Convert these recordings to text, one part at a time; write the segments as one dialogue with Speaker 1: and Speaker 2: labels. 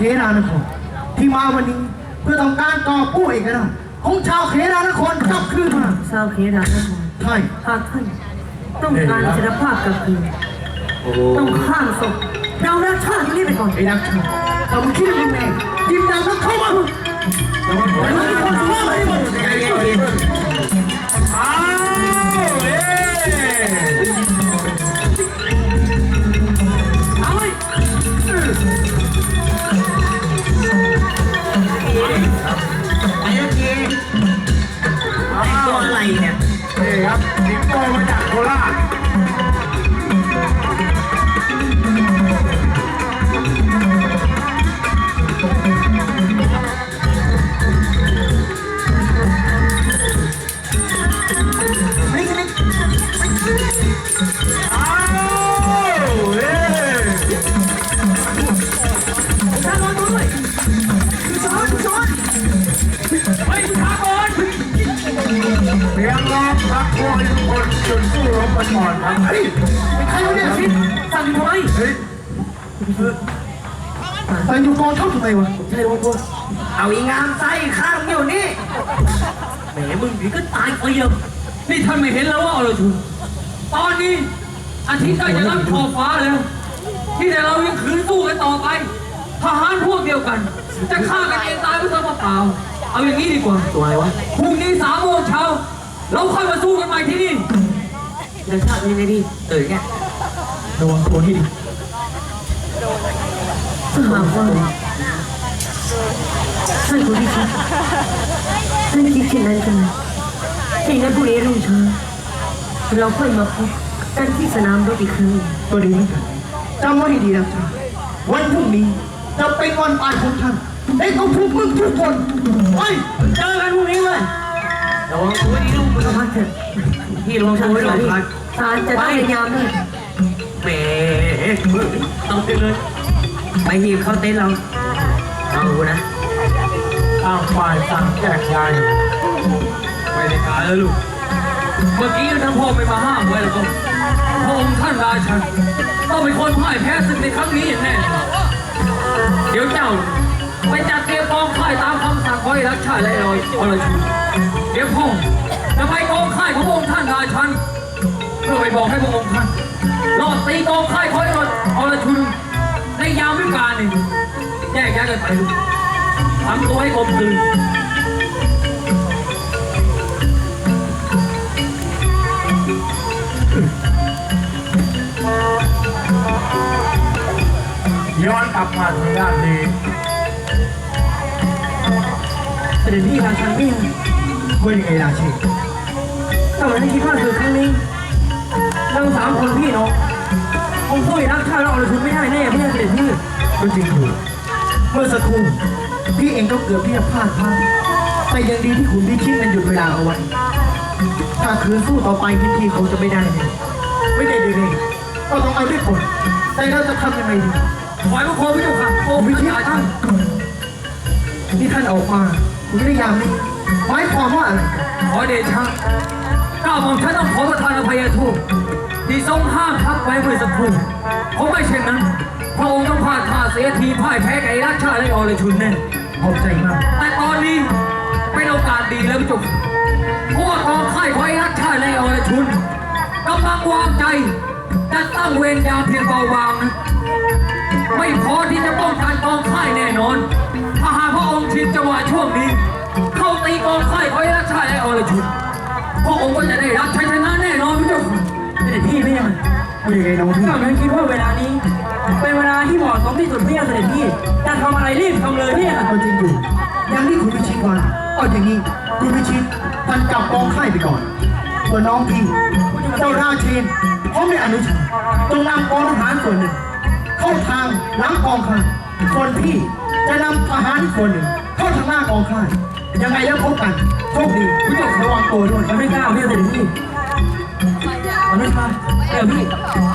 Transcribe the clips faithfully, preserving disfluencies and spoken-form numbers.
Speaker 1: รานครที่มาวันนี้เพื่อต้องการก่อกู้เอกราชของชาวเขรานครกลับคืนมา
Speaker 2: ชาวเขรานคร
Speaker 1: ใช่
Speaker 2: หากท่านต้องการอิสรภาพกลับคืนต้องข้ามศพเรารักชาตินี้ไปก่อน
Speaker 1: ไอ้นักชาติเราไม่คิดยังไงยิงดาวแล้วเข้ามาแต่ว่าแต่ว่าคนว่าอะไรบ้างใจเย็นๆอ้าวเอ๊เอาไว้ไอ้ยักษ์ยีตัวอะไรเนี่ยนี่ครับสิงโตมาจากโคราชเรียงร้องพักพวกทุกคนจนสู้รบกันก่อนครับเฮ้ยเป็นใครวะเนี่ยสิสั่งทำไมเฮ้ยสั่งอยู่กองทัพทำไมวะใช่วะพวกเอาอีงามไส้ข้างอยู่นี่แหมมึงนี่ก็ตายไปเยอะนี่ท่านไม่เห็นแล้วว่าอรชุนตอนนี้อาทิตย์ใกล้จะรับขอบฟ้าแล้วที่แต่เรายังขืนสู้กันต่อไปทหารพวกเดียวกันจะฆ่ากันเองตายไม่ทราบเปล่าเอาอย่างนี้ดีกว่าตัวอะไรวะพรุ่งนี้สามโมงเช้าเราค่อยมาสู้กันใหม่ที่นี่
Speaker 2: เดี๋ยวชาติยังไงดี
Speaker 1: ตื่นแกระวังตัวให้ดี
Speaker 2: ถ้าหากว่าท่านผู้พิชิตท่านคิดเช่นนั้นกันที่นั้นพรุ่งนี้รุ่งเช้าเราค่อยมาพบกันที่สนามรบอีกครั้ง
Speaker 1: ก็ดีนะจำไว้ให้ดีนะจ๊ะวันพรุ่งนี้จะเป็นวันตายของท่านไอ้เขาทุกมึงทุกคนไปเจอกันพรุ่งนี้เลยระวังตัวดีลูกมึงพักเถอะพี่ระวังตัวไว้หน่อยพัก
Speaker 2: ทานจะได้ยามด้วย
Speaker 1: แหมต้องเต้นเลยไปหีบเข้าเต้นเราเอาดูนะอ้าวฝ่ายสั่งแจกยายไปในการแล้วลูกเมื่อกี้ท่านพ่อไม่มาห้ามไว้แล้วก็พระองค์ท่านราชันต้องเป็นคนพ่ายแพ้ศึกในครั้งนี้อย่างแน่เดี๋ยวเจ้าไปจัดเตรียมกองค่ายตามคำสั่งของรัชชาและลอยอรชุนเดี๋ยวพ่อจะไปกองค่ายของพระองค์ท่านราชันเพื่อไปบอกให้พระองค์ท่านรอดตีกองค่ายของอรชุนในยามวิกาลนี่แยกย้ายกันไปทำตัวให้กลมกลืนย้อนกลับมาทางด้านนี้
Speaker 2: เสด็จพี่ราชันพี่
Speaker 1: ว่ายังไงราชี
Speaker 2: ถ้าเหมือนที่คิดว่าคือครั้งนี้เราสามคนพี่น้องคงสู้รักชาติเราอรชุนไม่ได้แน่พี่เสด็จพี่
Speaker 1: ก็จริงอยู่เมื่อสักครู่พี่เองก็เกือบที่จะพลาดพลาดแต่ยังดีที่คุณพี่คิดมันหยุดเวลาเอาไว้ถ้าคืนสู้ต่อไปพี่พี่เขาจะไม่ได้เลยไม่ได้เลยก็ต้องเอาด้วยผลแต่เราจะทำยังไงดีขอให้พระโคพิจุกค่ะโอ้พิชิตท่านนี่ท่านออกมาคุณไม่ได้ยามนี่หมายความว่าอะไรขอเดชะก้าวของท่านต้องขอประทานอภัยโทษที่ทรงห้ามทับไว้เมื่อสักครู่เพราะไม่เช่นนั้นพระองค์ต้องพลาดท่าเสียทีพ่ายแพ้ไก่ราชาและอรชุนแน่ขอบใจมากแต่ตอนนี้เป็นโอกาสดีแล้วพิจุกเพราะว่ากองค่ายของไอ้ราชาและอรชุนกำลังวางใจจะตั้งเวรยามเพียงเบาบางนะไม่พอที่จะป้องกันกองค่ายแน่นอนถ้าหากพระองค์ชินจังหวะช่วงนี้เข้าตีกองค่ายของรัชชาและอรชุนพระองค์ก็จะได้รับชัยชนะแน่นอนพี่เจ้าเสด็จพี่ไม่ยังไม่ยังไงน้องพี่ก็คิดว่าเวลานี้เป็นเวลาที่เหมาะสมที่สุดพี่เสด็จพี่จะทำอะไรรีบทำเลยพี่เอาจริงอยู่ยังที่คุณพิชิตวันเอาอย่างนี้คุณพิชิตท่านจับกองค่ายไปก่อนส่วนน้องพี่เจ้าราชินพร้อมในอนุชาจงนำกองทหารส่วนหนึ่งเข้าทางหลังกองค่ายส่วนพี่จะนำทหารส่วนหนึ่งเข้าทางหน้ากองค่ายยังไงแล้วพบกันโชคดีพี่ต้องระวังตัวด้วยจะไม่กล้าพี่เสด็จพี่อนุชาเดี๋ยวพี่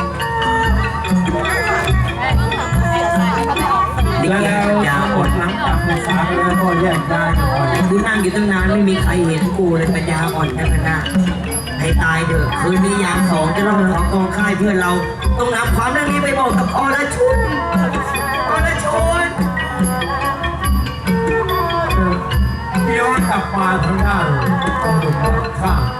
Speaker 1: แล้วยาหมดหลังจากศึกษาแล้วก็แยกย้ายกันก่อนคือนั่งอยู่ตั้งนานไม่มีใครเห็นกูเลยปัญญาอ่อนแค่ขนาดให้ตายเถอะคืนนี้ยามสองจะต้องของกองค่ายเพื่อนเราต้องนำความเรื่องนี้ไปบอกกับอรชุนอรชุน
Speaker 3: กลับมาทางด้านตำรวจข้าง